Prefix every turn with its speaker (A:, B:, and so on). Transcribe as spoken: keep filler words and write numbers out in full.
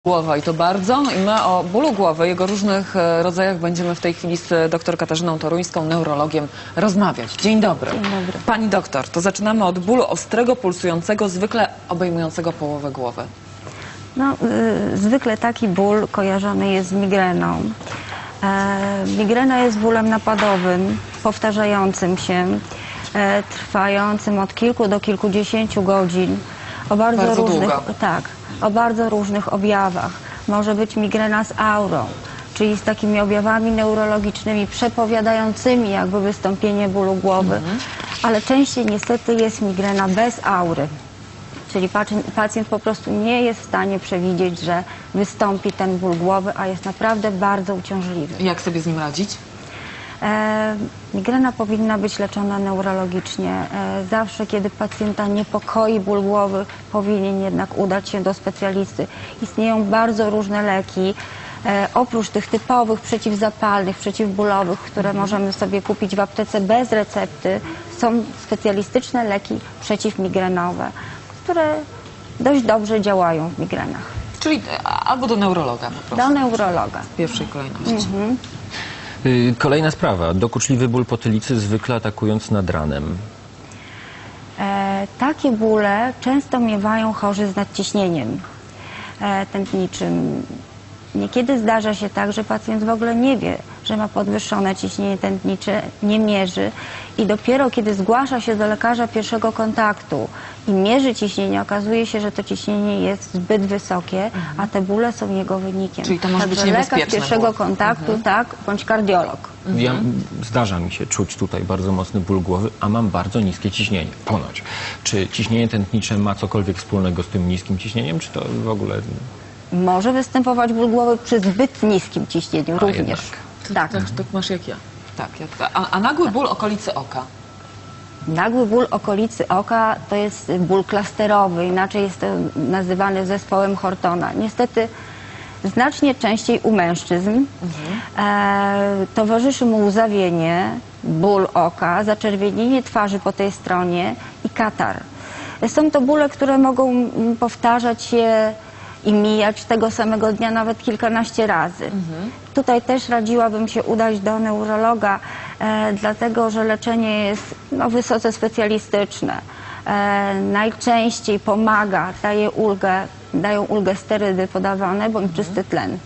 A: Głowa i to bardzo. I my o bólu głowy, jego różnych e, rodzajach będziemy w tej chwili z dr Katarzyną Toruńską, neurologiem, rozmawiać. Dzień dobry.
B: Dzień dobry.
A: Pani doktor, to zaczynamy od bólu ostrego, pulsującego, zwykle obejmującego połowę głowy.
B: No, y, zwykle taki ból kojarzony jest z migreną. E, migrena jest bólem napadowym, powtarzającym się, e, trwającym od kilku do kilkudziesięciu godzin. O bardzo,
A: Bardzo
B: różnych,
A: długo.
B: tak, o bardzo różnych objawach. Może być migrena z aurą, czyli z takimi objawami neurologicznymi przepowiadającymi jakby wystąpienie bólu głowy,
A: Mhm.
B: ale częściej niestety jest migrena bez aury. Czyli pacjent, pacjent po prostu nie jest w stanie przewidzieć, że wystąpi ten ból głowy, a jest naprawdę bardzo uciążliwy.
A: Jak sobie z nim radzić?
B: E, migrena powinna być leczona neurologicznie. E, zawsze, kiedy pacjenta niepokoi ból głowy, powinien jednak udać się do specjalisty. Istnieją bardzo różne leki. E, oprócz tych typowych przeciwzapalnych, przeciwbólowych, które
A: Mhm.
B: możemy sobie kupić w aptece bez recepty, są specjalistyczne leki przeciwmigrenowe, które dość dobrze działają w migrenach.
A: Czyli e, albo do neurologa po prostu.
B: Do neurologa.
A: W pierwszej kolejności.
B: Mhm.
C: Y, Kolejna sprawa. Dokuczliwy ból potylicy, zwykle atakując nad ranem.
B: E, takie bóle często miewają chorzy z nadciśnieniem e, tętniczym. Niekiedy zdarza się tak, że pacjent w ogóle nie wie, że ma podwyższone ciśnienie tętnicze, nie mierzy i dopiero kiedy zgłasza się do lekarza pierwszego kontaktu i mierzy ciśnienie, okazuje się, że to ciśnienie jest zbyt wysokie, mhm. a te bóle są jego wynikiem.
A: Czyli to może
B: Także
A: być niebezpieczne
B: lekarz pierwszego
A: ból.
B: kontaktu,
A: Mhm.
B: tak, bądź kardiolog.
C: Ja, zdarza mi się czuć tutaj bardzo mocny ból głowy, a mam bardzo niskie ciśnienie. Ponoć. Czy ciśnienie tętnicze ma cokolwiek wspólnego z tym niskim ciśnieniem, czy to w ogóle...
B: Może występować ból głowy przy zbyt niskim ciśnieniu
C: A,
B: również.
C: jednak.
B: Tak.
A: Tak, tak masz jak ja. Tak, jak, a, a nagły ból okolicy oka?
B: Nagły ból okolicy oka to jest ból klasterowy, inaczej jest to nazywany zespołem Hortona. Niestety znacznie częściej u mężczyzn. Mhm. E, towarzyszy mu łzawienie, ból oka, zaczerwienienie twarzy po tej stronie i katar. Są to bóle, które mogą powtarzać się i mijać tego samego dnia nawet kilkanaście razy. Mhm. Tutaj też radziłabym się udać do neurologa, e, dlatego że leczenie jest no, wysoce specjalistyczne. E, najczęściej pomaga, daje ulgę, dają ulgę sterydy podawane bądź czysty tlen.